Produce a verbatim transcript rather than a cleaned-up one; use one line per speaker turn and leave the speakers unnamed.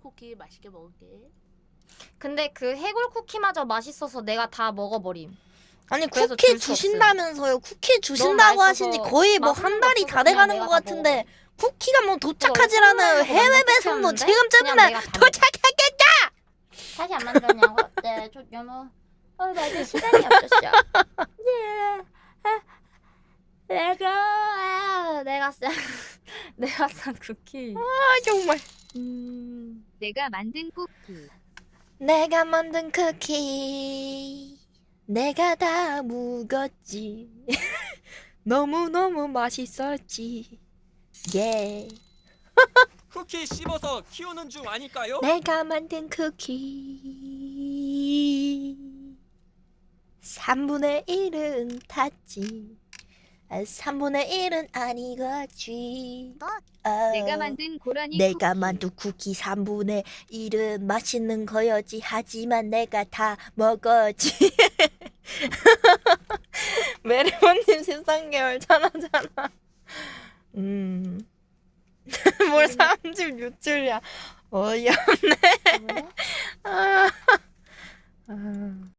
쿠키 맛있게 먹을게.
근데 그 해골 쿠키마저 맛있어서 내가 다 먹어버림.
아니
그래서
쿠키
줄 수
주신다면서요. 쿠키 주신다고 하신지
맛있어서
거의 뭐
맛있는
한
거
달이
없어서
다
그냥
돼가는
내가
것
다
같은데
먹어버려.
쿠키가 뭐
이거
도착하지라는
선물로
해외
만든
배송도
쿠키였는데
지금쯤이면
그냥 내가 다
도착했겠다!
다시 안 만들었냐고? 네, 저 너무 어, 맞아 시간이 없었어. 내가 아, 내가 싼 내가 싼 쿠키.
아 정말.
음,
내가 만든 쿠키.
내가 만든 쿠키 내가 다 묵었지. 너무너무 맛있었지. 예.
쿠키 씹어서 키우는 중 아닐까요?
내가 만든 쿠키 삼분의 일은 탔지. 아, 삼분의 일은 아니겠지. 어,
내가 만든 고라니
내가
쿠키.
만든 쿠키 삼분의 일은 맛있는 거였지. 하지만 내가 다 먹었지. 메리모님 십삼 개월 전화잖아. 음. 뭘 삼십육 줄이야. 어이없네.
뭐야?
아. 아.